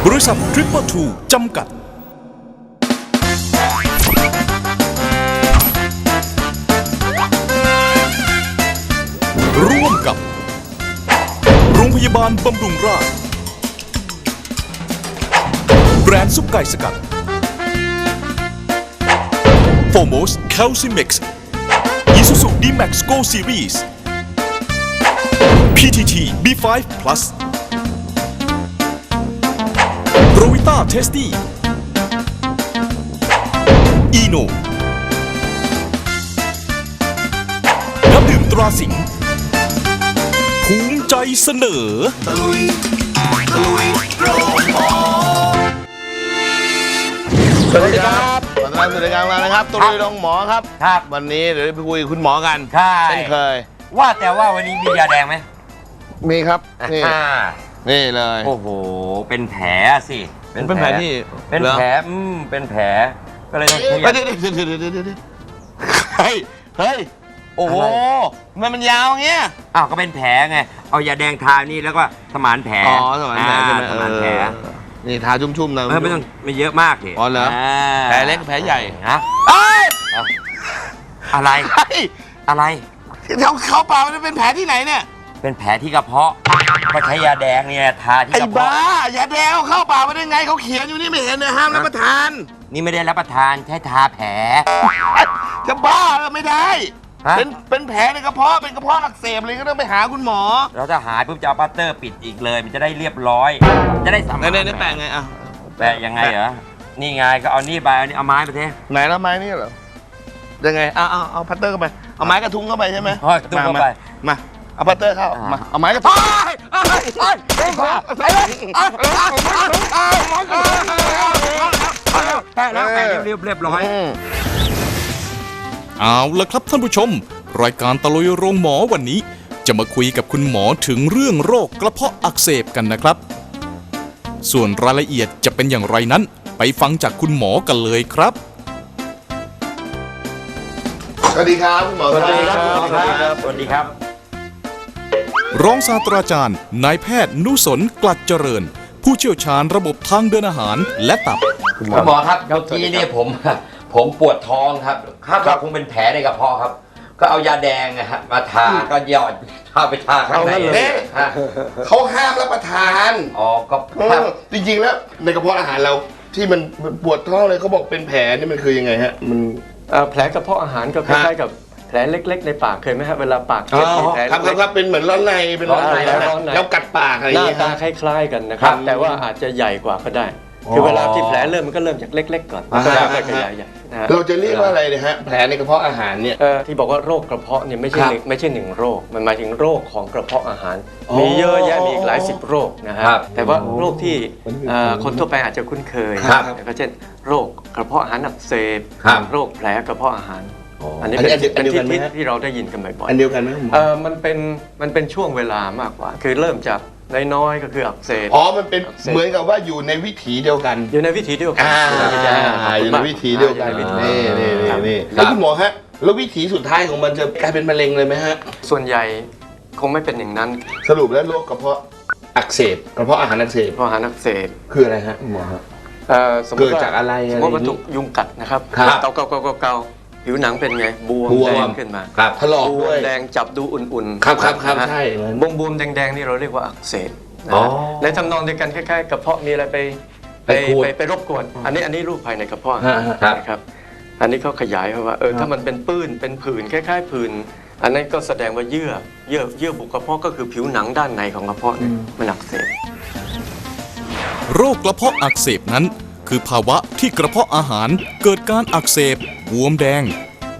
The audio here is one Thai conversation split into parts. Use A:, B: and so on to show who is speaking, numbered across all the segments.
A: บริษัททริปเปอร์ทูจำกัดร่วมกับโรงพยาบาลบำรุงราษฎร์แบรนด์ซุปไก่สกัดโฟโมสแคลซิมิกซ์อิซูซู D-Max Go Series PTT B5 Plus โรวิต้าเทสตี้อีโนน้ำดื่มตราสิงห์ภูมิใจเสนอ
B: สวัสดีครับขอต้อนรับสู่รายการเรานะครับตุลีโรงหมอครับวันนี้เดี๋ยวไปคุยกับคุณหมอกันเช่นเคย
C: ว่าแต่ว่าวันนี้มียาแดงไหม
B: มีครับนี่เลย
C: โอ้โหเป็นแผลสิ
B: เป็นแผลที่
C: เป็นแผลเป็นแผลก็เลยต้องเดี๋ยว
B: เฮ้ยโอ้โหมันยาวเงี้ย
C: อ้าวก็เป็นแผลไงเอายาแดงทานี่แล้วก็สมานแผล
B: อ๋อสมานแผลใช่ไหม
C: สมานแผล
B: นี่ทาชุ่มๆนะ
C: ไม่ต้องไม่เยอะมากดิ
B: อ๋อเหรอแผลเล็กแผลใหญ่
C: ฮะอะไร
B: เขาเปล่ามันเป็นแผลที่ไหนเนี่ย
C: เป็นแผลที่กระเพาะก็ใช้ยาแดงเนี่ยทาที่กระเพาะ
B: ไอ้บ้ายาแดงเข้าเปล่ามาได้ไงเขาเขียนอยู่นี่ไม่เห็นเลยห้ามรับประทาน
C: นี่ไม่ได้รับประทานใช้ทาแผล
B: จะบ้าไม่ได้เป็นแผลในกระเพาะเป็นกระเพาะอักเสบเลยก็ต้องไปหาคุณหมอ
C: เราจะหายปุ๊บจะเอาปัตเตอร์ปิดอีกเลยมันจะได้เรียบร้อยจะได้สมาน
B: ในแปะไงอ่ะ
C: แปะยังไงเหรอนี่ไงก็เอานี่ไปเอาไม้ไปเท
B: ไหนแล้วไม้นี่เหรอยังไงเอาพัตเตอร์เข้าไปเอาไม้กระทุ้งเข้าไปใช่ไหม
C: กระทุ้งเข้าไป
B: มาเอาพัตเตอร์เข้ามาเอาไม้กระทุ้ง
C: แปะแล้วเรียบร้อย
A: เอาละครับท่านผู้ชมรายการตะลุยโรงหมอวันนี้จะมาคุยกับคุณหมอถึงเรื่องโรคกระเพาะอักเสบกันนะครับส่วนรายละเอียดจะเป็นอย่างไรนั้นไปฟังจากคุณหมอกันเลยครับ
B: สวัสดีครับคุณหมอ
C: สวัสดีครับสวัสดีครับ
A: รองศาสตราจารย์นายแพทย์นุสนกลัดเจริญผู้เชี่ยวชาญระบบทางเดินอาหารและตับ
C: คุณหมอครับเมื่อกี้นี่ผมปวดท้องครับคาดว่าคงเป็นแผลในกระเพาะครับก็เอายาแดงมาทาก็หยอดไปทาข้างใน
B: เขาห้ามรับประทาน
C: อ๋อก็
B: จริงๆแล้วในกระเพาะอาหารเราที่มันปวดท้องเลยเขาบอกเป็นแผลนี่มันคือยังไงฮะมัน
D: แผลกระเพาะอาหารก็คล้ายๆกับแผลเล็กๆในปากเคยไหมครับเวลาปากเจ็บแผล
B: ครับเป็นเหมือนร้อนในเป็นร้อนในแล้วกัดปากอะไรอย่างเงี้ย
D: หน้าตาคล้ายๆกันนะครับแต่ว่าอาจจะใหญ่กว่าก็ได้คือเวลาที่แผลเริ่มมันก็เริ่มจากเล็กๆก่อนแล้วก็ขยายใหญ่
B: เราจะเรียกว่าอะไรนะฮะแผลในกระเพาะอาหารเนี่ย
D: ที่บอกว่าโรคกระเพาะเนี่ยไม่ใช่หนึ่งโรคมันหมายถึงโรคของกระเพาะอาหารมีเยอะแยะมีอีกหลายสิบโรคนะครับแต่ว่าโรคที่คนทั่วไปอาจจะคุ้นเคยก็เช่นโรคกระเพาะอาหารอักเสบโรคแผลกระเพาะอาหารอันนี้เป็นที่เราได้ยินกันบ่อยๆ
B: อันเดียวกันไหม
D: มันเป็นช่วงเวลามากกว่าคือเริ่มจากน้อยๆก็คืออักเสบ
B: มันเป็นเหมือนกับว่าอยู่ในวิถีเดียวกัน
D: อยู่ในวิถีเดียวกัน
B: อยู่ในวิถีเดียวกันนี่แล้วคุณหมอฮะแล้ววิถีสุดท้ายของมันจะกลายเป็นมะเร็งเลยไหมฮะ
D: ส่วนใหญ่คงไม่เป็นอย่างนั้น
B: สรุปแล้วโรคกระเพาะอักเสบกระเพาะอาหารอักเสบ
D: กระเพาะอาหารอักเสบ
B: คืออะไรฮะคุณหมอฮะเกิดจากอะไร
D: สมมติว่าถูกยุงกัดนะครับเกาผิวหนังเป็นไงบวมแดงขึ้นมา
B: ถลอกด้วย
D: แดงจับดูอุ่น
B: ๆครับใช่
D: บวมแดงๆนี่เราเรียกว่าอักเสบในทำนองเดียวกันคล้ายๆกระเพาะมีอะไรไปรบกวนอันนี้รูปภายในกระเพาะนะครับอันนี้เขาขยายว่าถ้ามันเป็นปื้นเป็นผื่นคล้ายๆผื่นอันนั้นก็แสดงว่าเยื่อบุกระเพาะก็คือผิวหนังด้านในของกระเพาะเนี่ยมันอักเสบ
A: โรคกระเพาะอักเสบนั้นคือภาวะที่กระเพาะอาหารเกิดการอักเสบบวมแดง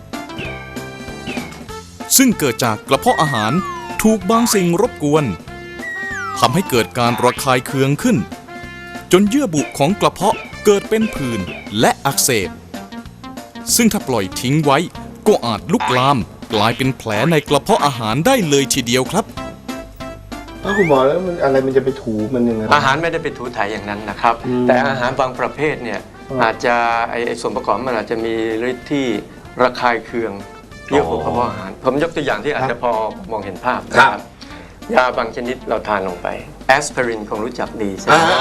A: ซึ่งเกิดจากกระเพาะอาหารถูกบางสิ่งรบกวนทำให้เกิดการระคายเคืองขึ้นจนเยื่อบุของกระเพาะเกิดเป็นผื่นและอักเสบซึ่งถ้าปล่อยทิ้งไว้ก็อาจลุกลามกลายเป็นแผลในกระเพาะอาหารได้เลยทีเดียวครับ
B: คุณหมอแล้วมันอะไรมันจะไปถูมันยังไง
D: อาหารไม่ได้ไปถูถ่ายอย่างนั้นนะครับแต่อาหารบางประเภทเนี่ยอาจจะไอส่วนประกอบมันอาจจะมีฤทธิ์ที่ระคายเคืองเยื่อบุกระเพาะอาหารผมยกตัวอย่างที่อาจจะพอมองเห็นภาพนะครับยาบางชนิดเราทานลงไปแอสไพรินคงรู้จักดีใช่ไหมแอ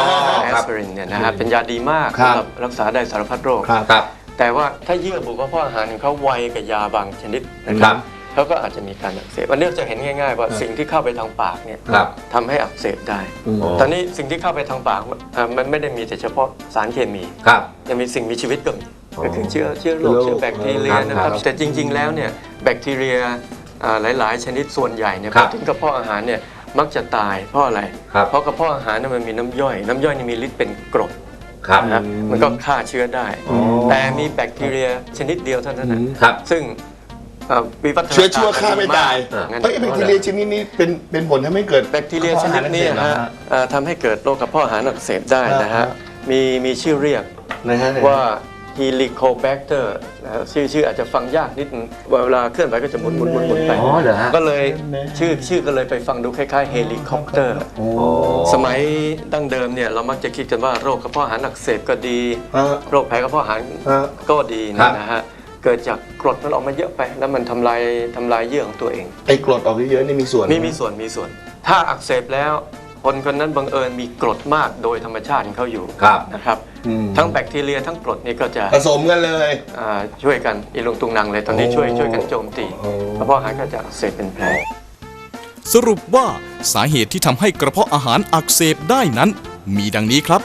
D: แอสไพรินเนี่ยนะฮะเป็นยาดีมาก
B: ครับ
D: สำหรับรักษาได้สารพัดโรค
B: ครับ
C: ครับ
D: แต่ว่าถ้าเยื่อบุกระเพาะอาหารของเขาไวกับยาบางชนิดนะครับเขาก็อาจจะมีการอักเสบวันนี้เราจะเห็นง่ายๆว่าสิ่งที่เข้าไปทางปากเนี่ย
C: ครับ
D: ทำให้อักเสบได้ ตอนนี้สิ่งที่เข้าไปทางปากมันไม่ได้มีแต่เฉพาะสารเคมี
C: ครับ
D: ยังมีสิ่งมีชีวิตก็มีก็คือเชื้อโรคเชื้อแบคทีเรียนะครับแต่จริงๆแล้วเนี่ยแบคทีเรียหลายๆ ชนิดส่วนใหญ่เนี่ย
C: ครั
D: พอบ ถึงกระเพาะอาหารเนี่ยมักจะตายเพราะอะไร
C: ครับ
D: เพราะกระเพาะอาหารเนี่ยมันมีน้ำย่อยนี่มีฤทธิ์เป็นกรด
C: ครับ
D: นะครับมันก็ฆ่าเชื้อได้ แต่มีแบคทีเรียชนิดเดียวเท่านั้นนะครับ ซึ่งวิวัฒนาการ
B: เชื้อชั่วฆ่าไม่ตาย
D: งั้น
B: เฮ้ยแบคทีเรียชนิดนี้เป็นผลทำให้เกิด
D: แบคทีเรียชนิดนี้นะฮะทำให้เกิดโรคกระเพาะอาหารอักเสบได้นะฮะมีชื่อเรียก
B: นะฮะ
D: ว่า Helicobacter นะฮะชื่ออาจจะฟังยากนิดนึงเวลาเคลื่อนไหวก็จะหมุนไป
C: อ๋อเหรอฮะ
D: ก็เลยชื่อก็เลยไปฟังดูคล้ายๆเฮลิคอปเตอร์สมัยดั้งเดิมเนี่ยเรามักจะคิดกันว่าโรคกระเพาะอาหารอักเสบก็ดี โรคแพ้กระเพาะอาหารก็ดีเนี่ยนะฮะเกิดจากกรดมันออกมาเยอะไป แล้วมันทำลายเยื่อของตัวเอง
B: ไอ้กรดออกเยอะๆนี่มีส่วน
D: มีส่วน ถ้าอักเสบแล้วคนนั้นบังเอิญมีกรดมากโดยธรรมชาติของเขาอยู่
C: ครับ
D: นะครับทั้งแบคทีเรียทั้งกรดนี่ก็จะ
B: ผสมกันเลย
D: ช่วยกันอีลุงตุงนังเลยตอนนี้ช่วยกันโจมตีกระเพาะอาหารก็จะอักเสบเป็นแผล
A: สรุปว่าสาเหตุที่ทำให้กระเพาะอาหารอักเสบได้นั้น มีดังนี้ครับ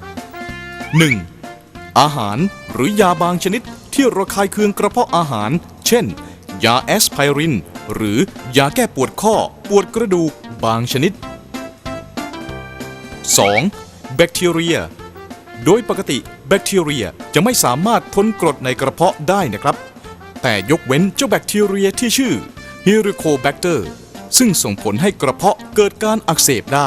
A: 1. อาหารหรือยาบางชนิดที่ระคายเคืองกระเพาะอาหาร เช่น ยาแอสไพรินหรือยาแก้ปวดข้อปวดกระดูกบางชนิด 2. แบคทีเรีย โดยปกติแบคทีเรียจะไม่สามารถทนกรดในกระเพาะได้นะครับ แต่ยกเว้นเจ้าแบคทีเรียที่ชื่อ Helicobacter ซึ่งส่งผลให้กระเพาะเกิดการอักเสบได้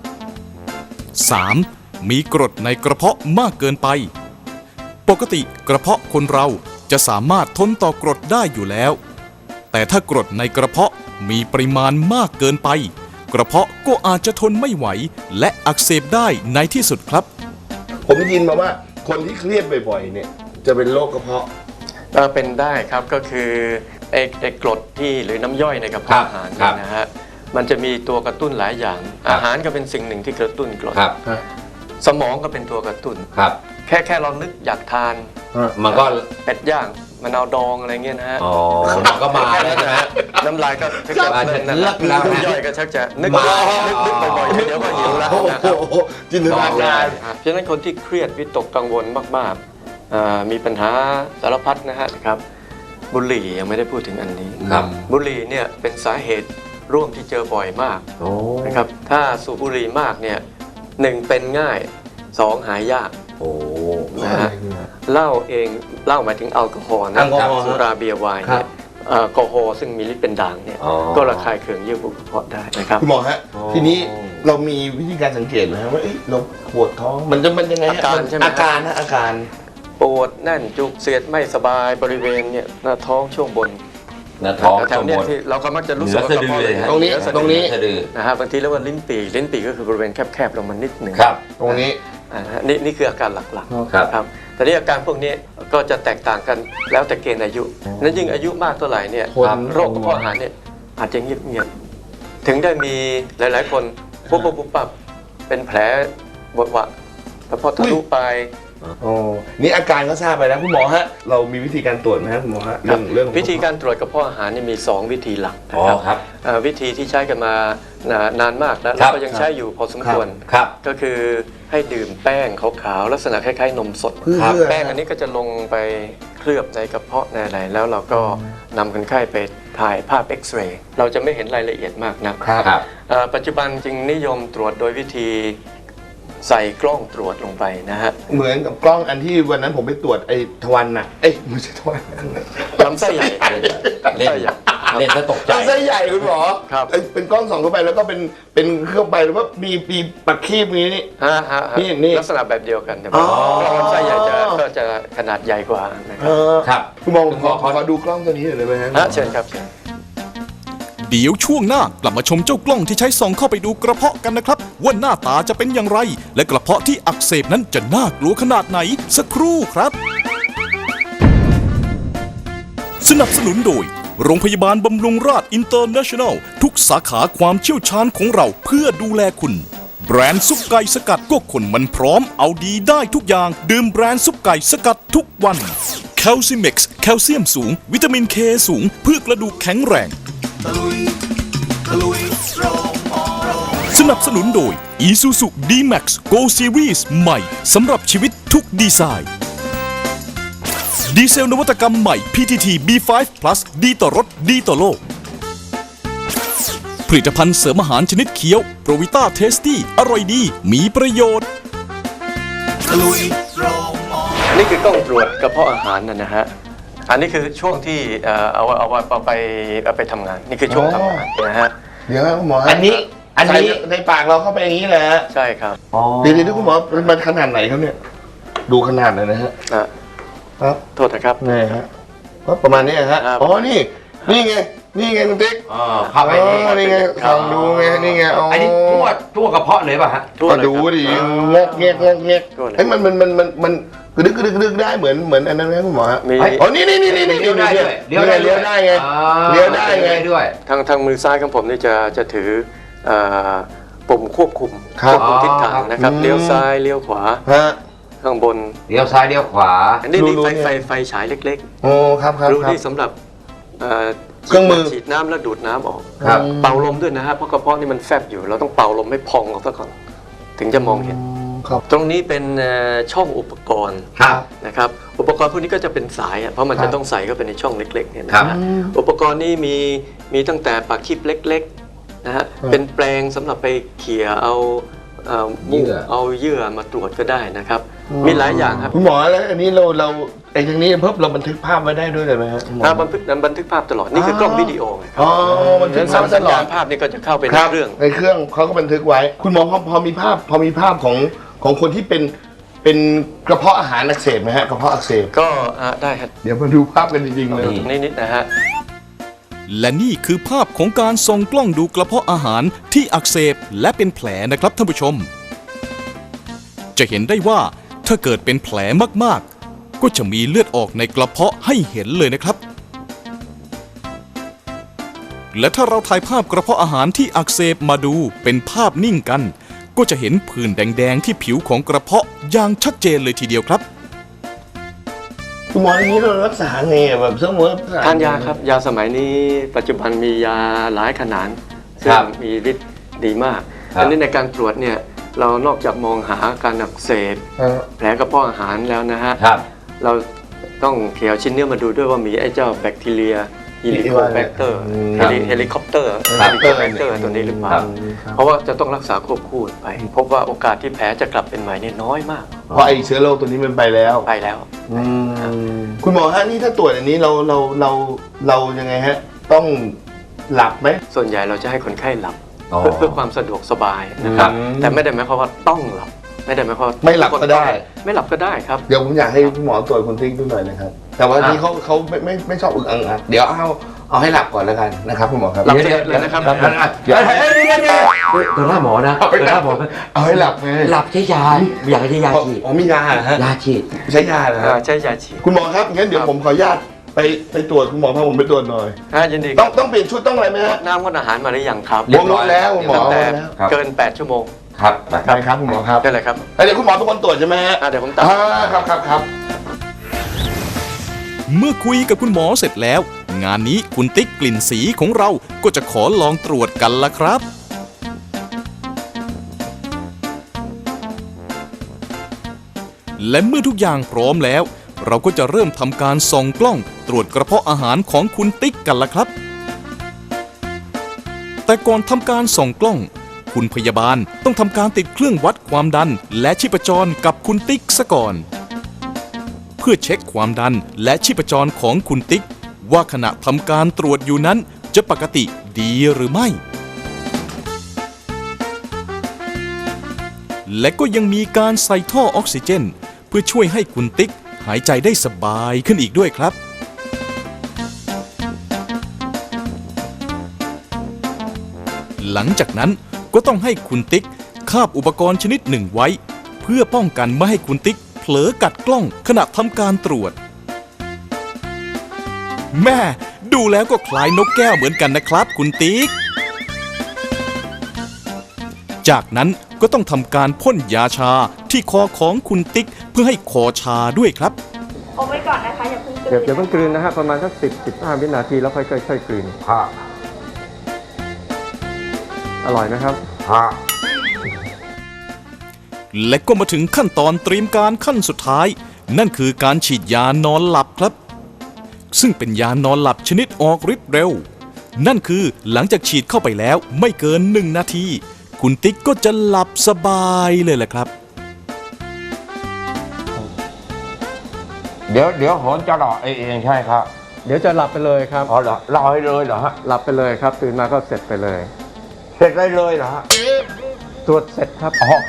A: 3. มีกรดในกระเพาะมากเกินไป ปกติกระเพาะคนเราจะสามารถทนต่อกรดได้อยู่แล้ว แต่ถ้ากรดในกระเพาะมีปริมาณมากเกินไป กระเพาะก็อาจจะทนไม่ไหวและอักเสบได้ในที่สุดครับ
B: ผมได้ยินมาว่าคนที่เครียดบ่อยๆเนี่ยจะเป็นโรคกระเพาะ
D: เป็นได้ครับก็คือไอ้กรดที่หรือน้ำย่อยในกระเพาะอาหารเนี่ยนะฮะมันจะมีตัวกระตุ้นหลายอย่าง อาหารก็เป็นสิ่งหนึ่งที่กระตุ้นกรด
C: ครับ
D: สมองก็เป็นตัวกระตุ้น
C: ครับ
D: แค่เรานึกอยากทาน
C: มันก็
D: เป็ดย่างมะนาวดองอะไรเงี้ยนะฮะ
C: อ๋อมันก็มาแล้วนะฮะ
D: น้ำลายก็ชักจะเพลินนะ
C: เลิกแล้ว
D: น้ำย่อยก็ชักจะนึกบ่อยๆเดี๋ยวก็หิวแล้ว
B: โอ้
D: นะครับ
B: โหจินตนาการ
D: เพราะฉะนั้นคนที่เครียดวิตกกังวลมากๆมีปัญหาสารพัดนะฮะครับบุหรี่ยังไม่ได้พูดถึงอันนี้
C: ครับ
D: บุหรี่เนี่ยเป็นสาเหตุร่วมที่เจอบ่อยมาก
C: โอ้
D: นะครับถ้าสูบบุหรี่มากเนี่ยหนึ่งเป็นง่ายสองหายยาก
C: โอ้
D: นะฮะเหล้าหมายถึงแอลกอฮอล์นะ
B: แอลกอฮอล์
D: สุราเบียร์ไวน์เนี่ยแอลกอฮอล์ซึ่งมีฤทธิ์เป็นด่างเนี่ยก็ระคายเคืองเยื่อบุกระเพาะได้นะครับ
B: คุณหมอฮะทีนี้เรามีวิธีการสังเกตไหมฮะว่าเราปวดท้องมันยังไงฮะ
D: อาการใช่ไหม
B: อาการนะอาการ
D: ปวดแน่นจุกเสียดไม่สบายบริเวณเนี่ยหน้าท้องช่วงบน
C: หน้าท้อง
D: แถวๆเนี่ยที่เราก็มักจะรู้
C: เห
D: สึ
C: นื
D: ก
C: อ
D: ว่า
C: สะดือเลยฮะ
B: ตรงนี้
C: ตรงนี้สะดือ
D: นะฮะบางทีเรียกว่าลิ้นปี่ก็คือบริเวณแคบๆลงมานิดหนึ่ง
C: ครับ
B: ตรงนี้
D: นี่คืออาการหลัก
C: ครับ
D: ๆครับแต่นี่อาการพวกนี้ก็จะแตกต่างกันแล้วแต่เกณฑ์อายุนั้นยิ่งอายุมากเท่าไหร่เนี่ยโรคกระเพาะอาหารเนี่ยอาจจะเงียบๆถึงได้มีหลายๆคนปุ๊บเป็นแผลบวะกระเพาะทะลุไป
B: โอ้นี่อาการก็ทราบไปแล้วคุณหมอฮะเรามีวิธีการตรวจไหมครับคุณหมอฮะเรื่อง
D: วิธีการตรวจกระเพาะอาหารนี่มี 2 วิธีหลักนะ
C: อ๋อ
D: ครับ
C: ครับ
D: วิธีที่ใช้กันมานานมากแล้ว
C: ครับ
D: ก็ยังใช้อยู่พอสมควร
C: ครับ
D: ก็คือให้ดื่มแป้งขาวๆลักษณะคล้ายๆนมสด
B: เพื่อ
D: แป้งอันนี้ก็จะลงไปเคลือบในกระเพาะในอะไรแล้วเราก็นำคนไข้ไปถ่ายภาพเอ็กซเรย์เราจะไม่เห็นรายละเอียดมากนะครับ
C: ครับ
D: ปัจจุบันจึงนิยมตรวจโดยวิธีใส่กล้องตรวจลงไปนะฮะ
B: เหมือนกับกล้องอันที่วันนั้นผมไปตรวจไอ้ทวันน่ะไม่ใช่ทวัน
D: ลำไส้ใหญ่ลำ
C: เล่น
D: ไส้ใหญ่
C: เล่นซะตกใจ
B: ไส้ใหญ่คุณหมอ
D: ครับ
B: เป็นกล้องส่องเข้าไปแล้วก็เป็นเข้าไปแล้วก็มีปัดคีบนี้นี่
D: ฮะ
B: นี่
D: ลักษณะแบบเดียวกันแต่
B: อ๋
D: ว่า
B: อ
D: ลำไส้ใหญ่ก็จะขนาดใหญ่กว่านะครับ
C: ครับ
B: คุณหมอขอดูกล้องตัวนี้หน่อยได้ไหมฮะ
D: เชิญครับเชิญ
A: เดี๋ยวช่วงหน้ากลับมาชมเจ้ากล้องที่ใช้ส่องเข้าไปดูกระเพาะกันนะครับ ว่าหน้าตาจะเป็นอย่างไร และกระเพาะที่อักเสบนั้นจะน่ากลัวขนาดไหนสักครู่ครับ สนับสนุนโดยโรงพยาบาลบำรุงราษอินเตอร์เนชั่นแนลทุกสาขาความเชี่ยวชาญของเราเพื่อดูแลคุณแบรนด์ซุปไก่สกัดก็คนมันพร้อมเอาดีได้ทุกอย่างดื่มแบรนด์ซุปไก่สกัดทุกวันแคลซิเม็กซ์แคลเซียมสูงวิตามินเคสูงเพื่อกระดูกแข็งแรงสนับสนุนโดย Isuzu D-Max Go Series ใหม่สำหรับชีวิตทุกดีไซน์ดีเซลนวัตกรรมใหม่ PTT B5 Plus ดีต่อรถดีต่อโลกผลิตภัณฑ์เสริมอาหารชนิดเคี้ยวโปรวิต้าเทสตี้อร่อยดีมีประโยชน์
D: อันนี้คือกล้องตรวจกระเพาะอาหารนะฮะอันนี้คือช่วงที่เอาไปทำงานนี่คือช่วงทำงานนะฮะ
B: เดี๋ยวคุณหมอ
C: อันนี้
B: ใส่ในปากเราเข้าไปอย่างนี้แหละ
D: ใช่ครับ
B: เดี๋ยวคุณหมอมันขนาดไหนครับเนี่ยดูขนาดเลยนะฮะ ครับ
D: โทษนะครับ
B: นี่ฮะก็ประมาณนี้ฮะ
D: ครับ
B: อ๋อนี่ไงคุณติ๊ก
C: เข้าไปนี่
B: นี่ไงลองดูไงนี่ไงอ๋อ
C: อันนี้ทั่วกระเพาะเลยป่ะฮะ
D: ทั่ว
B: ก็
D: เลย
B: ดู
D: ครับ
B: ดิเงี้ยเฮ้ยมันกระดึกได้เหมือนอันนั้นไหมคุณหมอฮะ
D: มี
B: อ๋อนี่
C: เลี้ยวได้ด้วย
B: เลี้ยวได้ไงเลี้ยวได้ไง
C: ด้วย
D: ทางมือซ้ายของผมนี่จะถือปุ่มควบคุม
B: ครับ
D: ควบคุมทิศทางนะครับ
B: อืม
D: เลี้ยวซ้ายเลี้ยวขวา
B: ฮะ
D: ข้างบน
C: เลี้ยวซ้ายเลี้ยวขวา
D: อันนี้
B: รู้
D: ไฟฉายเล็ก
B: โอ้ครับ
D: ๆรูนี่สำหรับเอ่อ
B: เครื่องมือ
D: ฉีดน้ำแล้วดูดน้ำออก
C: ครับ
D: เป่าลมด้วยนะฮะเพราะกระเพาะนี่มันแฟบอยู่เราต้องเป่าลมให้พองออกซะก่อนถึงจะมองเห็น
B: ครับ
D: ตรงนี้เป็นช่องอุปกรณ์
C: ครับ
D: นะครับอุปกรณ์พวกนี้ก็จะเป็นสายเพราะมัน
B: ครั
D: จะ
B: บ
D: ต้องใส่เข้าไปในช่องเล็กๆเนี่ย
C: ครั
D: นะ
C: บ
D: ฮะอุปกรณ์นี้มีตั้งแต่ปากคีบเล็กๆนะฮะ
B: ครับ
D: เป็นแปรงสำหรับไปเขี่ยเอามูก
C: เยื่อ
D: เอาเยื่อมาตรวจก็ได้นะครับมีหลายอย่างครับ
B: คุณหมอแล้วอันนี้เราไอ้ทางนี้เพิ่มเราบันทึกภาพไว้ได้ด้วยเลยไหมฮะคุณหมอ
D: บันทึกภาพตลอดนี่คือกล้องวิดีโอไงครับ
B: อ๋อบันทึกภาพต
D: สัญ
B: ลอ
D: ญา
B: ด
D: ณภาพนี่ก็จะเข้าไปใน
B: ครับ
D: เครื่อง
B: ในเครื่องเขาก็บันทึกไว้ คุณหมอพอมีภาพของคนที่เป็นกระเพาะอาหารอักเสบไหมฮะกระเพาะอักเสบ
D: ก็ได้ครับ
B: เดี๋ยวมาดูภาพกันจริงๆเลย
D: ตรงนี้นิดนะฮะ
A: และนี่คือภาพของการส่องกล้องดูกระเพาะอาหารที่อักเสบและเป็นแผลนะครับท่านผู้ชม จะเห็นได้ว่าถ้าเกิดเป็นแผลมากๆ ก็จะมีเลือดออกในกระเพาะให้เห็นเลยนะครับ และถ้าเราถ่ายภาพกระเพาะอาหารที่อักเสบมาดูเป็นภาพนิ่งกัน ก็จะเห็นผื่นแดงๆที่ผิวของกระเพาะอย่างชัดเจนเลยทีเดียวครับ
B: คุณหมออย่างนี้เรารักษาไงอะแบบสมมติ
D: ทานยาครับยาสมัยนี้ปัจจุบันมียาหลายขนาดซึ่
C: ค
D: ง
C: รับ
D: มีฤทธิ์ดีมาก
C: ครับ
D: อันนี้ในการตรวจเนี่ยเรานอกจากมองหาการอักเสบ
B: เออ
D: แผลกระเพาะอาหารแล้วนะฮะ
C: ครับ
D: เราต้องเขี่ยชิ้นเนื้อมาดูด้วยว่ามีไอ้เจ้าแบคทีเรียฮิลิโคแบคเตอร์
C: ครับ
D: เฮลิคอปเตอร์
C: ครับ
D: เฮลิโคแบคเตอร์ตัวนี้หรือเปล่า
C: ครับ
D: เพราะว่าจะต้องรักษาควบคู่ไป พบว่าโอกาสที่แผลจะกลับเป็นใหม่เนี่ยน้อยมาก
B: เพราะไอ้เชื้อโรคตัวนี้มันไปแล้ว
D: ไปแล้ว
B: คุณหมอฮะนี่ถ้าตรวจอันนี้เรายังไงฮะ ต้องหลับไหม
D: ส่วนใหญ่เราจะให้คนไข้หลับ
C: อ๋อ
D: เพื่อความสะดวกสบายนะครับ
B: อืม
D: แต่ไม่ได้หมายความว่าต้องหลับ ไม่ได้หมายความว่า
B: ไม่หลับก็ได้
D: ไม่หลับก็ได้ครับ
B: เดี๋ยวผมอยากให้คุณหมอตรวจคุณติ๊กดูหน่อยนะครับ แต่ว่าที่เขาไม่ชอบอึกอังอักเดี๋ยวเอาให้หลับก่อนแล้วกันนะครับคุณหมอครับ
D: หลับเสร็จเลยนะครับ
B: เดี๋ยว
C: ตัวหน้าหมอนะตัวหน้าหมอ
B: เอาให้หลับไง
C: หลับใช้ยาอยากใช้ยาฉีด
B: อ๋อมียาเหรอฮะ
C: ยาฉีด
B: ใช้ยาเหรอฮะ
D: ใช้ยาฉีด
B: คุณหมอครับงั้นเดี๋ยวผมขออนุญาตไปตรวจคุณหมอพาผมไปตรวจหน่อย
D: ยินดี
B: ต้องเปลี่ยนชุดต้องอะไรไหมฮะ
D: น้ำงดอาหารมาหรือยังครับ
C: เรียบร้อย
B: แล้วหมอ
D: ตั้งแต่
B: แล้ว
C: ครับ
D: เกิน 8 ชั่วโมง
C: ครับ
B: ได้ครับคุณหมอครับ
D: ได้เลยครับ
B: เดี๋ยวคุณหมอเป็นคนตรวจใช่ไหมฮะ
D: เดี๋ยวผมตัด
B: ครับ
A: เมื่อคุยกับคุณหมอเสร็จแล้ว งานนี้คุณติ๊กกลิ่นสีของเราก็จะขอลองตรวจกันละครับ และเมื่อทุกอย่างพร้อมแล้ว เราก็จะเริ่มทำการส่องกล้องตรวจกระเพาะอาหารของคุณติ๊กกันละครับ แต่ก่อนทำการส่องกล้อง คุณพยาบาลต้องทำการติดเครื่องวัดความดันและชีพจรกับคุณติ๊กซะก่อน เพื่อเช็คความดันและชีพจรของคุณติ๊กว่าขณะทำการตรวจอยู่นั้นจะปกติดีหรือไม่ และก็ยังมีการใส่ท่อออกซิเจน เพื่อช่วยให้คุณติ๊กหายใจได้สบายขึ้นอีกด้วยครับ หลังจากนั้นก็ต้องให้คุณติ๊กคาบอุปกรณ์ชนิดหนึ่งไว้ เพื่อป้องกันไม่ให้คุณติ๊กเผลอกัดกล้องขณะทำการตรวจ แม่ดูแล้วก็คล้ายนกแก้วเหมือนกันนะครับคุณติ๊ก จากนั้นก็ต้องทำการพ่นยาชาที่คอของคุณติ๊กเพื่อให้คอชาด้วยครับ
E: อมไว้ก่อนนะคะอย่าเพิ่งกลืน
D: เดี๋ยวเพิ่งกลืนนะฮะประมาณสัก10-15 วินาทีแล้วค่อยๆกลืนอร่อยนะครับ
A: และก็มาถึงขั้นตอนเตรียมการขั้นสุดท้าย นั่นคือการฉีดยานอนหลับครับ ซึ่งเป็นยานอนหลับชนิดออกฤทธิ์เร็ว นั่นคือหลังจากฉีดเข้าไปแล้วไม่เกิน1 นาที คุณติ๊กก็จะหลับสบายเลยแหละครับ
C: เดี๋ยวโหนจะหล่อเองใช่ครับ
D: เดี๋ยวจะหลับไปเลยครับ
C: อ๋อเหรอหล่อให้เลยเหรอฮะ
D: หลับไปเลยครับตื่นมาก็เสร็จไปเลย
C: เสร็จได้เลยเหรอฮะ
D: ตรวจเสร็จครับ
C: อ๋อ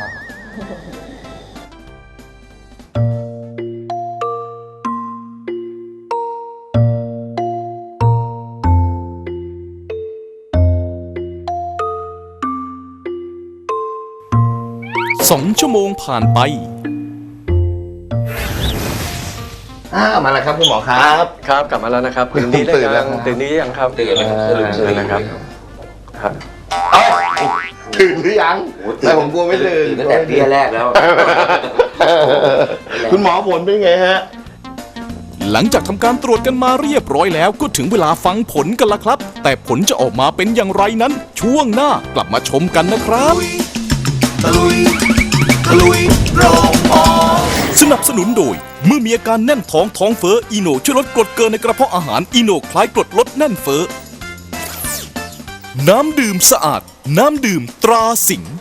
A: 2 ชั่วโมงผ่านไป
B: มาแล้วครับคุณหมอครับ
D: ครับกลับมาแล้วนะครับตื่นนี้ได้ยังตื่นนี้ยังครับตื่นนะครับครับ
B: ตื่นหรือยังแต่ผมกลัวไม่ตื่น
C: ตั้งแต่เบี้ยแรกแล้ว
B: คุณหมอผลเป็นไงฮะ
A: หลังจากทำการตรวจกันมาเรียบร้อยแล้วก็ถึงเวลาฟังผลกันละครับ แต่ผลจะออกมาเป็นอย่างไรนั้น ช่วงหน้ากลับมาชมกันนะครับ สนับสนุนโดยเมื่อมีอาการแน่นท้องท้องเฟ้ออีโนช่วยลดกรดเกินในกระเพาะอาหารอีโนคล้ายกรดลดแน่นเฟ้อน้ำดื่มสะอาดน้ำดื่มตราสิงห์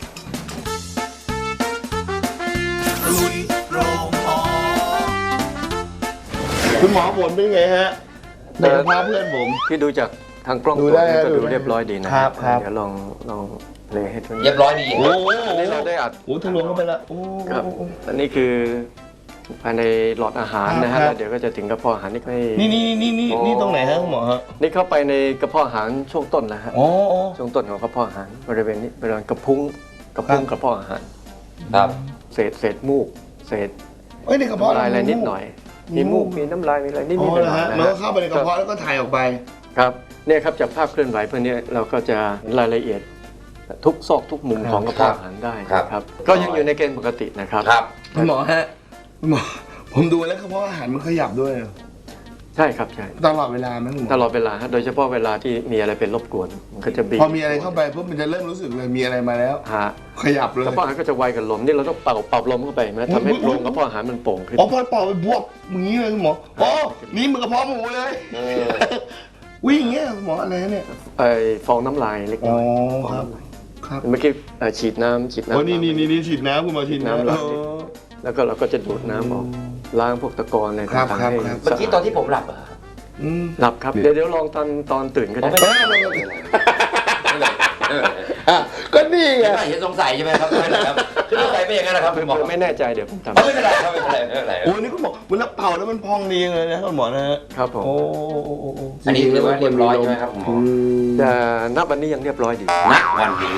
B: คุณหมอผลเป็นไงฮะในกระเพาะเพื่อนผม
D: ที่ดูจากทางกล้อง
B: ดูได้
D: ก็
B: ดู
D: ดู
B: ได้
D: เรียบร้อยดีนะครับ
B: ครับ
D: เดี๋ยวลองเพลงให้ทุก
C: เรียบร้อยดี
B: โอ้โห
D: อันนี้เราได้อัด
B: โอ้ทะลวงเข้าไปแล้วโอ้
D: ครับอันนี้คือภายในหลอดอาหารนะฮะ
B: ครับ
D: แล้วเดี๋ยวก็จะถึงกระเพาะอาหารนี่ก็ให้
B: นี่ตรงไหนฮะคุณหมอฮะ
D: นี่เข้าไปในกระเพาะอาหารช่วงต้นแล้วฮะ
B: โอ้
D: ช่วงต้นของกระเพาะอาหารบริเวณนี้บริเวณกระพุ้งกระเพาะอาหาร
C: ครับ
D: เศษมูกเศษ
B: เอ้ยในกระเพาะ
D: น้ำลายอะไรนิดหน่อย มีมูกมีน้ำลายมีอะไรนิด
B: อ๋
D: ๆห
B: อ
D: น่
B: เหรอ
D: อย
B: ฮะ
D: ๆนะ
B: มันก็
D: ฮะ
B: เข้าไปในกระเพาะแล้วก็ถ่ายออกไป
D: ครับเนี่ยครับจากภาพเคลื่อนไหวพวกนี้เราก็จะเห็นรายละเอียดทุกซอกทุกมุมของกระเพาะอาหารได้ครับก็ยังอยู่ในเกณฑ์ปกตินะครับ
C: ครับ
B: คุณหมอฮะคุณหมอผมดูแล้วกระเพาะอาหารมันขยับด้วย
D: ใช่ครับใช่
B: ตลอดเวลาไหมคุณหมอ
D: ตลอดเวลาฮะโดยเฉพาะเวลาที่มีอะไรเป็นรบกวนมันก็จะบีบ
B: พอมีอะไรเข้าไปปุ๊บมันจะเริ่มรู้สึกเลยมีอะไรมาแล้ว
D: ฮะ
B: ขยับเลย
D: กระเพาะอาหารก็จะไวกับลมนี่เราต้องเป่าลมเข้าไปนะทำให้โพรงกระเพาะอาหารมันโป่งขึ้น
B: อ๋อพอเป่าไปบวกอย่างนี้เลยคุณหมออ๋อนี่มันกระเพาะหมูเลยวิ่งอย่างเงี้ยคุณหมออะไรเนี่ย
D: ไอ้ฟองน้ำลายเล็ก
B: อ๋
D: น้
B: อ
D: อย
B: ครับครับ
D: เมื่อกี้ฉีดน้ำ
B: โอ้นี่ฉีดน้ำคุณหมอฉีดน้ำ
D: น้ำลายนิด แล้วก็เราก็จะดูดน้ำออกล้างพวกตะกอนอะไร
B: ครับ
D: ต่าง
B: ครับ
D: ๆให้
B: ครับ
C: เมื่อกี้ตอนที่ผมหลับอะ
B: อืม
D: หลับครับเดี๋ยวลองตอนตื่นก็ได้
B: ก็นี่ไง
C: เห็นสงสัยใช่ไหมครับไม่เป็นไรครับคือสงสัยไม่อย่างนั้นนะครับคุณหมอ
D: ไม่แน่ใจเดี๋ยวผมทำ
C: ไม่เป็นไรครับไม่เป็นไรไม่เป็นไร
B: โอ้นี่คุณหมอเวลาเป่าแล้วมันพองดีเลยนะคุณหมอนะฮะ
D: ครับผม
B: โอ้
C: อันนี้เรียกว่าเรียบร้อยใช่ไหมครับคุณหมอ
D: แต่นับวันนี้ยังเรียบร้อยดี
C: ณวันนี้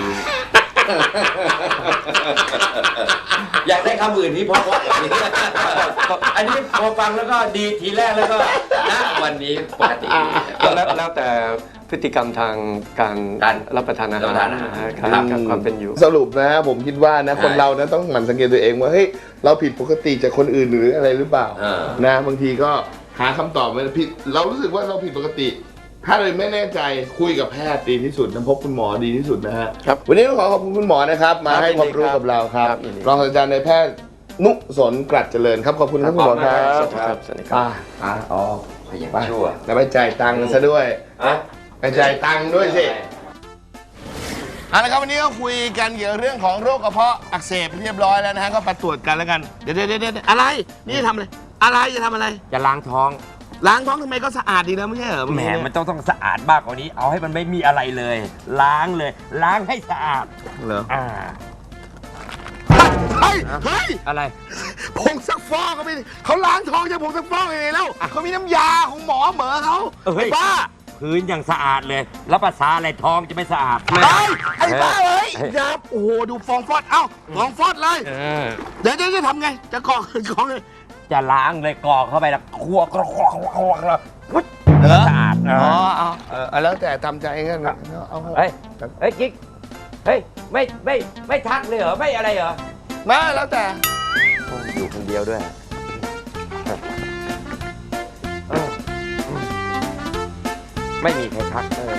C: อยากได้คำอื่นที่เพราะๆอย่างนี้อันนี้พอฟังแล้วก็ดีทีแรกแล้วก็ณวันนี้ปกติ
D: แล้วแต่พฤติกรรมทางการรับประทานอาหาร
C: รับประทานอาหาร
D: การความเป็นอยู่
B: สรุปนะผมคิดว่านะคนเรานะต้องหมั่นสังเกตตัวเองว่าเฮ้ยเราผิดปกติจากคนอื่นหรืออะไรหรือเปล่านะบางทีก็หาคำตอบไม่ได้ผิดเรารู้สึกว่าเราผิดปกติ ถ้าเลยไม่แน่ใจคุยกับแพทย์ดีที่สุดนะพบคุณหมอดีที่สุดนะฮะ
D: ครับ
B: วันนี้ต้องขอขอบคุณคุณหมอนะครับมาให้ความรู้กับเราครับ
D: ครับยินดี
B: รองศาสตราจารย์นายแพทย์นุสนกรัดเจริญครับขอบคุณครับคุณหมอครับ
D: สวัสดีครับสวัสดีครับ
B: อ๋อ
C: ขยัน
B: ไป
C: ชั่ว
B: แล้วไปจ่ายตังค์ซะด้วย
C: อะ
B: ไปจ่ายตังค์ด้วยสิเอาละครับวันนี้ก็คุยกันเกี่ยวกับเรื่องของโรคกระเพาะอักเสบเรียบร้อยแล้วนะฮะก็ไปตรวจกันแล้วกันเดี๋ยวอะไรนี่จะทำอะไรอะไรจะทำอะไร
F: จะล้างท้อง
B: ล้างท้องทำไมก็สะอาดดีนะไม่ใช่เหรอ
F: แหมมันต้องสะอาดมากกว่านี้ เอาให้มันไม่มีอะไรเลย ล้างเลย ล้างให้สะอาด
B: เหรอ
F: อ่า
B: เฮ้ย
F: อะไร
B: ผงซักฟอกเขาไม่เขาล้างท้องจากผงซักฟอกยังไงแล้วเขามีน้ำยาของหมอเหมอเขา
F: เฮ้ย
B: ไอ้บ้า
F: พื้นยังสะอาดเลย แล้วภาษาอะไรท้องจะไม่สะอาด
B: ไอ้บ้าเอ้ยอย่าโอ้โหดูฟองฟอดเอ้าฟองฟอดเลย
F: เออ
B: เดี๋ยวจะทำไงจะกรอกเลย
F: จะล้างเลยกรอกเข้าไปแล้วคั่วแล้วปุ๊บ
B: เหรอ
F: สะอาด
B: อ๋อเอาแล้วแต่ทำใจกันเอา
F: เฮ้ยกิ๊กเฮ้ยไม่ทักเลยเหรอไม่อะไรเหรอ
B: มาแล้วแต่
F: อยู่คนเดียวด้วยไม่มีใครทัก